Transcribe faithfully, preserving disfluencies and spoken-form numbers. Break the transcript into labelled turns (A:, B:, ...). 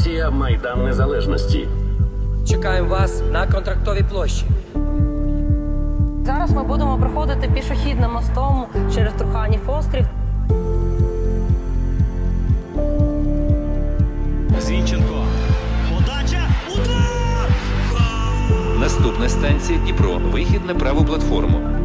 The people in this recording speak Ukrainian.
A: Акція «Майдан Незалежності».
B: Чекаємо вас на Контрактовій площі.
C: Зараз ми будемо проходити пішохідним мостом через Труханів острів.
D: Зінченко. Подача. Удар!
E: Наступна станція Дніпро. Вихід на праву платформу.